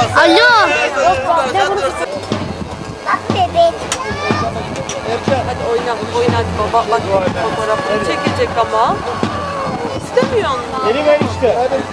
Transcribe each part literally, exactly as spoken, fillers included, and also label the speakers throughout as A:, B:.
A: Alo. Bak bebek.
B: Hadi oyna, oyna hadi baba. Bak fotoğrafını çekecek ama. İstemiyor onlar.
C: Geri ver işte. Hadi.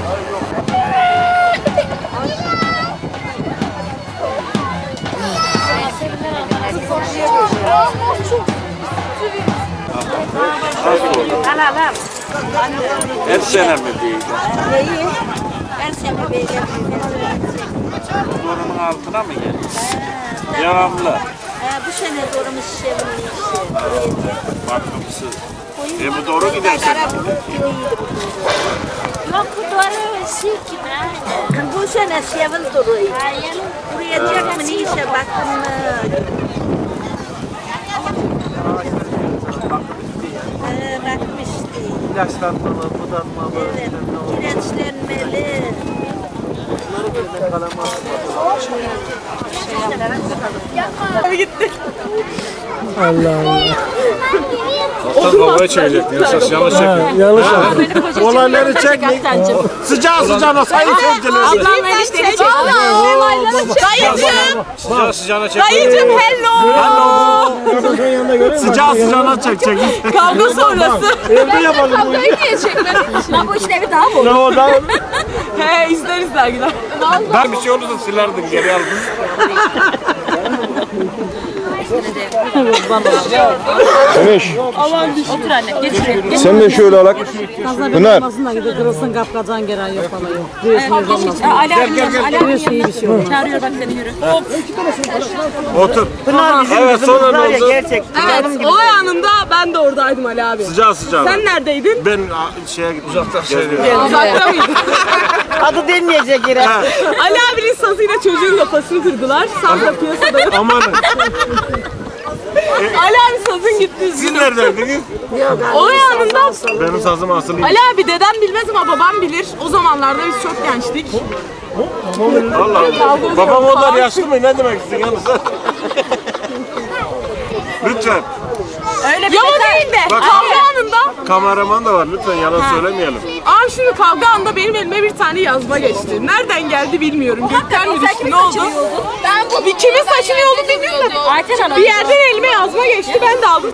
D: Her sene mi değil?
E: Neyi? Her sene böyle.
D: Zorumun altına mı geliyor? Devamlı.
E: Ee, bu sene zorumuz çevrilmiş.
D: Bakımsız. E bu doğru giderse.
E: Yok bu doğru şey ki ben. Bu sene sevil duruyor. Buraya çekme neyse baktım mı? Ee, bakmıştı.
C: İlaçlanmalı, budanmalı.
E: Evet, kireçlenmeli.
D: Ortadan kavgaya çevirecek. Yoksa yanlış çekiyor.
C: Yanlış yaptın. Olayları çekmeyin. Sıcağı sıcağına sayın seyirciler.
B: Ablam enişteni çek. Dayıcım.
D: Sıcağı sıcağına çekiyor.
B: Dayıcım hello.
C: Sıcağı sıcağına çekecek.
B: Kavga sonrası.
C: Evde yapalım bu işi.
B: Niye çekmedin?
E: Lan bu işin evi daha mı?
C: Ne o da?
B: He izleriz dergiler.
D: Ben bir şey olursa silerdin geri aldın.
F: Emiş,
B: Otur anne geç şuraya.
F: sen de şöyle alak. Pınar,
G: Aslında gidip kırılsın kapkacan gelen yok falan yok. Diyorsunuz olmaz.
B: Ali abi Ali abi
G: İyi bir şey olur.
B: çağırıyor bak seni yürü.
D: Otur. Evet sonra ne oldu?
B: Evet olay anında ben de oradaydım Ali abi.
D: Sıcağı sıcağına.
B: Sen neredeydin?
D: Ben a, şeye gittim. Uzaktan
B: Uzakta mıydın?
G: Adı denmeyecek yere.
B: Ali abinin sazıyla çocuğun kafasını kırdılar. Saz da piyasada yok.
D: Amanın.
B: Ali abi sazın gitti.
D: Siz neredeydiniz?
B: Olay anında
D: Benim sazım asılı.
B: Ali abi dedem bilmez ama babam bilir. O zamanlarda biz çok gençtik.
D: Allah Allah. Babam onlar yaşlı mı? Ne demek istiyorsun yalnız? Lütfen.
B: Öyle bir ya o değil de
D: Bak-
B: kavga anında.
D: Kameraman da var. Lütfen yalan söylemeyelim.
B: Abi şimdi kavga anında benim elime bir tane yazma geçti. Nereden geldi bilmiyorum. Gökten mi düştü ne oldu? Ben bu bir kimin saçını yolu bilmiyorum da. Bir yerden elime yazma geçti ben de aldım.